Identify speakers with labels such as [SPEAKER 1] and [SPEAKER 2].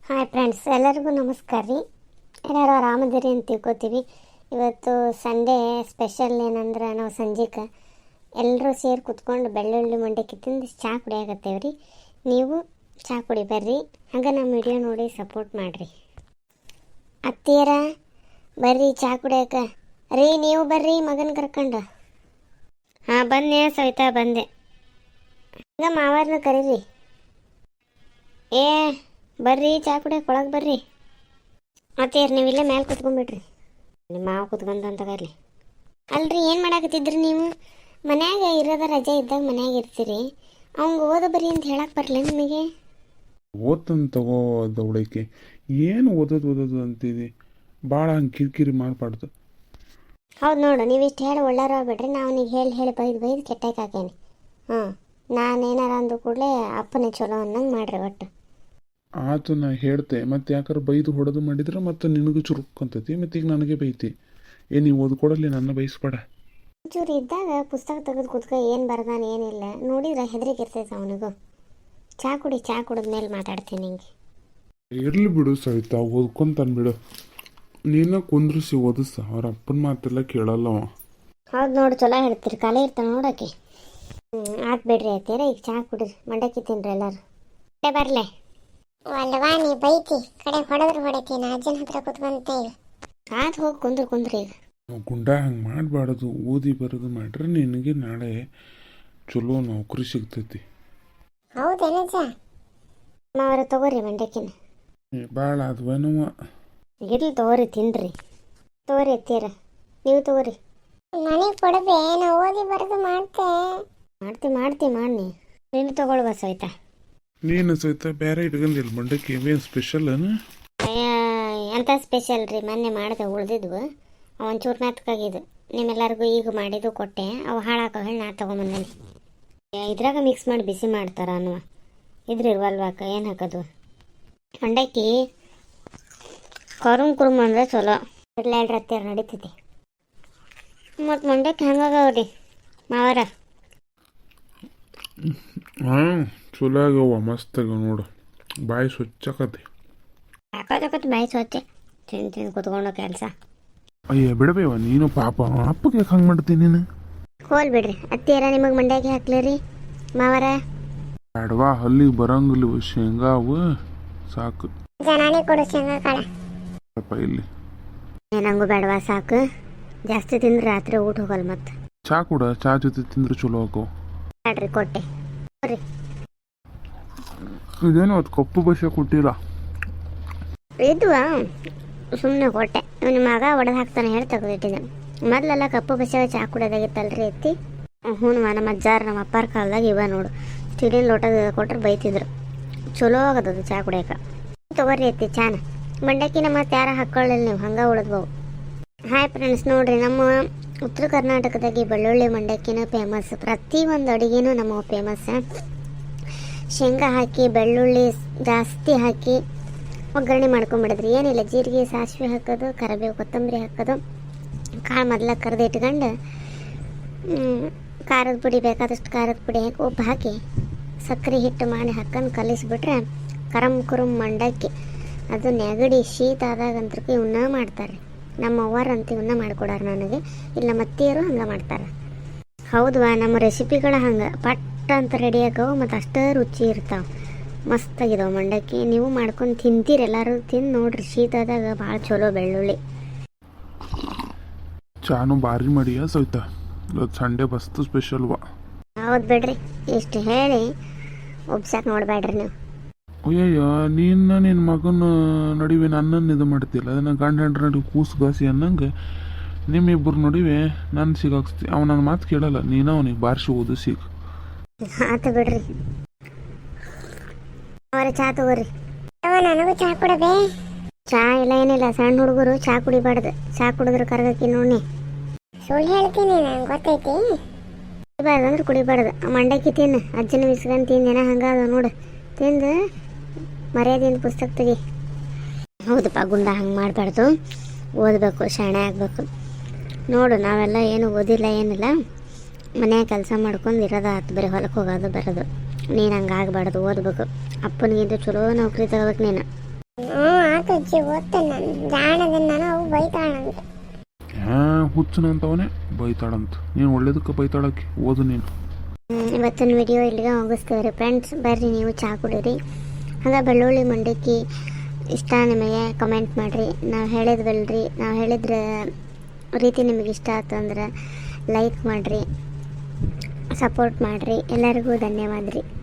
[SPEAKER 1] Hi friends, ಎಲ್ಲರಿಗೂ ನಮಸ್ಕಾರ ರೀ. ಎಲ್ಲರೂ ಆರಾಮದಿರಿ ಅಂತ ತಿಳ್ಕೊತೀವಿ. ಇವತ್ತು ಸಂಡೇ ಸ್ಪೆಷಲ್ ಏನಂದ್ರೆ ನಾವು ಸಂಜೆಗೆ ಎಲ್ಲರೂ ಸೇರಿ ಕುತ್ಕೊಂಡು ಬೆಳ್ಳುಳ್ಳಿ ಮಂಡಕ್ಕಿ ತಿಂದು ಚಹಾ ಕುಡಿಯಾಕತ್ತೇವೆ ರೀ. ನೀವು ಚಹಾ ಕುಡಿ ಬರ್ರಿ, ಹಂಗೆ ನಮ್ಮ ವಿಡಿಯೋ ನೋಡಿ ಸಪೋರ್ಟ್ ಮಾಡಿರಿ. ಅತ್ತಿಯರ ಬರ್ರಿ ಚಹಾ ಕುಡಿಯೋಕೆ ರೀ. ನೀವು ಬರ್ರಿ ಮಗನ ಕರ್ಕೊಂಡು. ಹಾಂ ಬಂದೆ ಸವಿತಾ, ಬಂದೆ. ಹಂಗೆ ಮಾವಾರನ್ನ ಕರೀರಿ. ಏ ಬರ್ರಿ ಚಹಾ ಕುಡಿಯೋಕೆ ಒಳಗೆ ಬರ್ರಿ. ಮತ್ತೆ ನೀವು ಇಲ್ಲೇ ಮೇಲೆ ಕುತ್ಕೊಂಡ್ಬಿಡ್ರಿ. ನಿಮ್ಮ ಮಾವ ಕುತ್ಕೊಂಡು ಅಂತ ಕರ್ಲಿ. ಅಲ್ರಿ ಏನು ಮಾಡಾಕತ್ತಿದ್ರಿ ನೀವು? ಮನ್ಯಾಗ ಇರೋದ ರಜೆ ಇದ್ದಾಗ ಮನ್ಯಾಗ ಇರ್ತೀರಿ. ಅವಂಗೆ ಓದ ಬರ್ರಿ ಅಂತ ಹೇಳಕ್ಕೆ ಬರಲ್ಲ ನಿಮಗೆ?
[SPEAKER 2] ಓದ್ತಂದು ತಗೋ ದೌಡಕ್ಕೆ. ಏನು ಓದೋದು ಅಂತಿದೆ. ಭಾಳ ಹಂಗೆ ಕಿರಿಕಿರಿ ಮಾಡಬಾರ್ದು.
[SPEAKER 1] ಹೌದು ನೋಡು, ನೀವು ಇಷ್ಟು ಹೇಳಿ ಒಳ್ಳಾರ ಬಿಡ್ರಿ. ನಾವು ನೀವು ಹೇಳಿ ಬೈದು ಕೆಟ್ಟಕ್ಕೆ ಹಾಕೇನಿ. ಹಾಂ, ನಾನೇನಾರ ಅಂದು ಕೂಡಲೇ ಅಪ್ಪನೇ ಚಲೋ ಅನ್ನಂಗೆ ಮಾಡ್ರಿ ಒಟ್ಟು.
[SPEAKER 2] ಆತು ನಾ ಹೇಳ್ತೆ, ಮತ್ತು ಯಾಕಾರ ಬೈದು ಹೊಡೆದು ಮಾಡಿದ್ರೆ ಮತ್ತು ನಿನಗೂ ಚುರುಕಂತೈತಿ, ಮತ್ತು ಈಗ ನನಗೆ ಬೈತಿ. ನೀವು ಓದ್ಕೊಡಲಿ, ನನ್ನ ಬೈಸ್ಬೇಡ.
[SPEAKER 1] ಒಂಚೂರು ಇದ್ದಾಗ ಪುಸ್ತಕ ತೆಗೆದು ಕುತ್ಕ, ಏನು ಬರ್ದಾನ ಏನಿಲ್ಲ ನೋಡಿದ್ರೆ ಹೆದರಿಕೆ ಇರ್ತೈತೆ ಅವನಿಗೂ. ಚಹಾ ಕುಡಿದ್ಮೇಲೆ ಮಾತಾಡ್ತೀನಿ ನಿಂಗೆ.
[SPEAKER 2] ಇರಲಿ ಬಿಡು ಸವಿತಾ, ಓದ್ಕೊಂತಾನೆ ನೀನು ಕುಂದ್ರಿಸಿ ಓದಿಸ. ಅವ್ರ ಅಪ್ಪನ ಮಾತೆಲ್ಲ ಕೇಳಲ್ಲ ಅವ.
[SPEAKER 1] ಹೌದು ನೋಡು, ಚಲೋ ಹೇಳ್ತೀರಿ. ಕಾಲೇ ಇರ್ತಾನೆ ನೋಡೋಕೆ. ಆತು ಬಿಡ್ರಿ ಆಯ್ತೀರ. ಈಗ ಚಹಾ ಕುಡಿರಿ, ಮಂಡಕ್ಕಿ ತಿನ್ರಿ ಎಲ್ಲರೂ. ಬರಲೇ ಅಲ್ವಾ? ನೀ ಬೈತಿ ಕಡೆ ಹೊಡೆದ್ರೆ ಹೊಡಿತೀನಿ. ಅಜ್ಜನ ಹತ್ರ ಕುತ್ಕೊಂತ ಈಗ. ಆತು ಹೋಗಿ ಕುಂದ್ರಿ ಈಗ.
[SPEAKER 2] ಗುಂಡ ಹಂಗೆ ಮಾಡಬಾರ್ದು. ಓದಿ ಬರೋದು ಮಾಡ್ರೆ ನಿನಗೆ ನಾಳೆ ಚಲೋ ನೌಕರಿ ಸಿಗ್ತೈತಿ.
[SPEAKER 1] ಹೌದೇನಜ್ಜ? ಅವ್ರ ತಗೋರಿ ಮಂಡಕ್ಕಿನ.
[SPEAKER 2] ಭಾಳ ಅದ್ವನವ.
[SPEAKER 1] ಇರ್ಲಿ ತಗೋರಿ, ತಿನ್ರಿ. ತಗೋರಿ ಎತ್ತೀರ, ನೀವು ತಗೋರಿ. ನನಗೆ ಕೊಡಬೇ, ನಾ ಓದಿ ಬರೋದು ಮಾಡ್ತಿ ಮಾಡಿ. ನೀನು ತಗೊಳ್ವಾ ಸವಿತಾ?
[SPEAKER 2] ನೀನು ಸಹಿತ ಬೇರೆ ಇಟ್ಕೊಂಡಿಲ್ಲ ಮಂಡಕ್ಕಿ. ಏನು ಸ್ಪೆಷಲ್?
[SPEAKER 1] ಎಂಥ ಸ್ಪೆಷಲ್ ರೀ? ಮೊನ್ನೆ ಮಾಡಿದೆ ಉಳ್ದಿದ್ವು, ಒಂಚೂರು ಮೆತ್ಕಾಗಿದ್ದು. ನಿಮ್ಮೆಲ್ಲರಿಗೂ ಈಗ ಮಾಡಿದ್ದು ಕೊಟ್ಟೆ. ಅವು ಹಾಳಾಕೋ ಹೇಳಿ ನಾ ತೊಗೊಂಬಂದೇನಿ. ಇದ್ರಾಗ ಮಿಕ್ಸ್ ಮಾಡಿ ಬಿಸಿ ಮಾಡ್ತಾರ ಅನ್ನುವ ಇದ್ರ ಇರ್ವಲ್ವಾಕ. ಏನು ಹಾಕೋದು? ಮಂಡಕ್ಕಿ ಕುರುಮ್ ಅಂದರೆ ಚಲೋ. ಇರ್ಲಾಡ್ರಿ ಹತ್ತಿರ ನಡೀತೈತಿ. ಮತ್ತು ಮಂಡಕ್ಕಿ ಹಂಗಾಗವ್ರಿ ಮಾವರ.
[SPEAKER 2] ಹಾಂ, ಚಲೋ ಆಗ್ಯವ, ಮಸ್ತ್ ಆಗ್ಯಾವ ನೋಡು. ಬಾಯಿ ಸ್ವಚ್ಛಕತಿ.
[SPEAKER 1] ಹಾಕೋದಕ್ಕತ್ತು ಬಾಯಿ ಸ್ವಚ್ಛ. ತಿಂದು ಕುತ್ಕೊಂಡು ಕೆಲಸ.
[SPEAKER 2] ಅಯ್ಯ ಬಿಡಬೇವ ನೀನು, ಪಾಪ ಅಪ್ಪಗೆ ಯಾಕೆ ಹಂಗೆ ಮಾಡ್ತೀನಿ ನೀನು?
[SPEAKER 1] ಹೋಲ್ ಬಿಡ್ರಿ ಅತ್ತಿಯರ, ನಿಮಗೆ ಮಂಡಕ್ಕಿ ಹಾಕ್ಲಿರಿ ಮಾವರ?
[SPEAKER 2] ಬೇಡವಾ, ಹಲ್ಲಿಗೆ ಬರಂಗಿಲ್ಲ ಶೇಂಗಾವು ಸಾಕು.
[SPEAKER 1] ಜನಾನೇ ಕೊಡು ಶೇಂಗಾ ಕಾಳ.
[SPEAKER 2] ಇಲ್ಲಿ
[SPEAKER 1] ಏನಂಗೂ ಬೇಡವಾ, ಸಾಕು. ಜಾಸ್ತಿ ತಿಂದ್ರೆ ರಾತ್ರಿ ಊಟ ಹೋಗಲ್ಲ. ಮತ್ತೆ
[SPEAKER 2] ಚಾ ಕೂಡ, ಚಾ ಜೊತೆ ತಿಂದ್ರೆ ಚಲೋ ಹಾಕೋ.
[SPEAKER 1] ಬ್ಯಾಡ್ರಿ ಕೊಟ್ಟೆ ಬರ್ರಿ.
[SPEAKER 2] ಇದೇನು ಅದು ಕಪ್ಪು ಬಸ್ಸೆ ಕೊಟ್ಟಿಲ್ಲ.
[SPEAKER 1] ಇದ್ವಾ ಸುಮ್ಮನೆ ಕೊಟ್ಟೆ. ನಿಮ್ಮ ಮಗ ಒಡೆದು ಹಾಕ್ತಾನೆ ಹೇಳಿ ತೆಗೆದಿಟ್ಟಿದ್ದೆ. ಮೊದಲೆಲ್ಲ ಕಪ್ಪು ಬಸ್ಸಾಗ ಚಹಾ ಕುಡಿಯೋದಾಗಿತ್ತಲ್ರಿ ಎತ್ತಿ. ಹ್ಞೂ, ನಮ್ಮ ಅಜ್ಜಾರು ನಮ್ಮ ಅಪ್ಪಾರ ಕಾಲದಾಗ ಇವ ನೋಡು, ಸ್ಟೀಲಿನ ಲೋಟ ಕೊಟ್ರೆ ಬೈತಿದ್ರು. ಚಲೋ ಆಗದದು ಚಹಾ ಕುಡಿಯೋಕೆ. ತೊಗೊರಿ ಎತ್ತಿ ಚಾನ. ಮಂಡಕ್ಕಿನ ಮತ್ತೆ ಯಾರು ಹಾಕ್ಕೊಳ್ಳಿಲ್ಲ ನೀವು, ಹಂಗೆ ಉಳಿದ್ಬವು. ಹಾಯ್ ಫ್ರೆಂಡ್ಸ್, ನೋಡಿರಿ ನಮ್ಮ ಉತ್ತರ ಕರ್ನಾಟಕದಾಗೆ ಬೆಳ್ಳುಳ್ಳಿ ಮಂಡಕ್ಕಿನ ಫೇಮಸ್. ಪ್ರತಿಯೊಂದು ಅಡುಗೆನೂ ನಮ್ಮ ಫೇಮಸ್. ಶೇಂಗಾ ಹಾಕಿ ಬೆಳ್ಳುಳ್ಳಿ ಜಾಸ್ತಿ ಹಾಕಿ ಒಗ್ಗರಣೆ ಮಾಡ್ಕೊಂಬಿಡಿದ್ರಿ. ಏನಿಲ್ಲ, ಜೀರಿಗೆ ಸಾಸಿವೆ ಹಾಕೋದು, ಕರಿಬೇವು ಕೊತ್ತಂಬರಿ ಹಾಕೋದು, ಕಾಳು ಮೊದಲ ಕರೆದು ಇಟ್ಕೊಂಡು ಖಾರದ ಪುಡಿ ಬೇಕಾದಷ್ಟು ಖಾರದ ಪುಡಿ ಹಾಕಿ ಉಪ್ಪು ಹಾಕಿ ಸಕ್ಕರೆ ಹಿಟ್ಟು ಮಾಡಿ ಹಾಕೊಂಡು ಕಲಿಸ್ಬಿಟ್ರೆ ಕುರುಮ್ ಮಂಡಕ್ಕಿ. ಅದು ನೆಗಡಿ ಶೀತ ಆದಾಗಂತೂ ಇವನ್ನ ಮಾಡ್ತಾರೆ. ನಮ್ಮ ಅವ್ವಾರಂತ ಇವನ್ನ ಮಾಡಿಕೊಡಾರ ನನಗೆ. ಇಲ್ಲ ಮತ್ತಿಯರು ಹಂಗೆ ಮಾಡ್ತಾರೆ. ಹೌದವಾ, ನಮ್ಮ ರೆಸಿಪಿಗಳು ಹಂಗೆ ಪಟ್ಟ ಅಂತ ರೆಡಿ ಆಗವು, ಮತ್ತು ಅಷ್ಟೇ ರುಚಿ ಇರ್ತಾವೆ. ಮಸ್ತಾಗಿದಾವೆ ಮಂಡಕ್ಕಿ. ನೀವು ಮಾಡ್ಕೊಂಡು ತಿಂತೀರಿ, ಎಲ್ಲರೂ ತಿಂದು ನೋಡ್ರಿ. ಶೀತ ಆದಾಗ ಭಾಳ ಚಲೋ ಬೆಳ್ಳುಳ್ಳಿ.
[SPEAKER 2] ಚಾನು ಭಾರಿ ಮಾಡಿಯ ಸವಿತಾ, ಇವತ್ತು ಸಂಡೇ ಬಸ್ತು ಸ್ಪೆಷಲ್ವಾ?
[SPEAKER 1] ಹೌದು ಬಿಡ್ರಿ, ಇಷ್ಟು ಹೇಳಿ ಒಬ್ಸಕ್ಕೆ ನೋಡಬೇಡ್ರಿ ನೀವು.
[SPEAKER 2] ಅಯ್ಯಯ್ಯ, ನಿನ್ನ ಮಗನ ನಡುವೆ ನನ್ನನ್ನು ಇದು ಮಾಡ್ತಿಲ್ಲ. ಅದನ್ನು ಗಂಡ ಹೆಂಡ್ರ ನಡುವೆ ಕೂಸು ಗಾಸಿ ಅನ್ನಂಗೆ ನಿಮ್ಮಿಬ್ಬರು ನಡುವೆ ನನ್ನ ಸಿಗಾಕ್ಸ್ತಿ. ಅವ್ನು ನನ್ನ ಮಾತು ಕೇಳಲ್ಲ, ನೀನು ಅವನಿಗೆ ಬಾರಿಸಿ ಓದು ಸಿಗ.
[SPEAKER 1] ಆತು ಬಿಡ್ರಿ. ಅವರ ಚಹಾ ತಗೋರಿ. ನನಗೂ ಚಹಾ ಕೊಡಬೇ? ಚಹಾ ಇಲ್ಲ ಏನಿಲ್ಲ, ಸಣ್ಣ ಹುಡುಗರು ಚಹಾ ಕುಡಿಬಾರ್ದು. ಚಹಾ ಕುಡಿದ್ರೆ ಕರಗಕ್ಕಿ ನೋಡಿ. ಸುಳ್ಳು ಹೇಳ್ತೀನಿ, ನಂಗೆ ಗೊತ್ತೈತಿ. ಕುಡಿಬಾರ್ದು ಅಂದ್ರೆ ಕುಡಿಬಾರ್ದು. ಮಂಡಕ್ಕಿ ತಿನ್ನು, ಅಜ್ಜನ ಬಿಸ್ಕೊಂಡು ತಿಂದೇನ ಹಂಗಾದ ನೋಡು. ತಿಂದು ಮರ್ಯಾದೆಯಿಂದ ಪುಸ್ತಕ ತೆಗಿ. ಹೌದಪ್ಪ, ಗುಂಡ ಹಂಗೆ ಮಾಡಬಾರ್ದು. ಓದಬೇಕು, ಶಾಣೆ ಆಗಬೇಕು. ನೋಡು, ನಾವೆಲ್ಲ ಏನು ಓದಿಲ್ಲ ಏನಿಲ್ಲ, ಮನ್ಯಾಗ ಕೆಲಸ ಮಾಡ್ಕೊಂಡು ಇರೋದು ಆತು. ಬರೀ ಹೊಲಕ್ಕೆ ಹೋಗೋದು ಬರೋದು. ನೀನು ಹಂಗೆ ಆಗಬಾರ್ದು, ಓದಬೇಕು. ಅಪ್ಪನಿಗಿಂತ ಚಲೋ ನೌಕರಿ ತಗೋಬೇಕು ನೀನು. ಹ್ಞೂ ಆತು ಅಜ್ಜಿ ಓದ್ತೇನೆ ನಾನು ಜಾಣದನ್ನ ನಾನು ಅವು ಬೈತಾಳಂತ.
[SPEAKER 2] ಹುಚ್ಚನಂತವನೇ ಬೈತಾಳಂತ. ನೀನು ಒಳ್ಳೇದಕ್ಕೆ ಬೈತಾಳಕ್ಕೆ ಓದು ನೀನು.
[SPEAKER 1] ಇವತ್ತಿನ ವಿಡಿಯೋ ಇಲ್ಲಿಗೆ ಮುಗಿಸ್ತೇವೆ ಫ್ರೆಂಡ್ಸ್. ಬರ್ರಿ ನೀವು ಚಹಾ ಕುಡೀರಿ. ಹಾಗೆ ಬೆಳ್ಳುಳ್ಳಿ ಮಂಡಕ್ಕಿ ಇಷ್ಟ ನಿಮಗೆ ಕಮೆಂಟ್ ಮಾಡಿರಿ. ನಾವು ಹೇಳಿದ್ವಲ್ರಿ, ನಾವು ಹೇಳಿದ್ರ ರೀತಿ ನಿಮಗೆ ಇಷ್ಟ ಆಯ್ತು ಅಂದ್ರೆ ಲೈಕ್ ಮಾಡಿರಿ, ಸಪೋರ್ಟ್ ಮಾಡಿರಿ. ಎಲ್ಲರಿಗೂ ಧನ್ಯವಾದ ರೀ.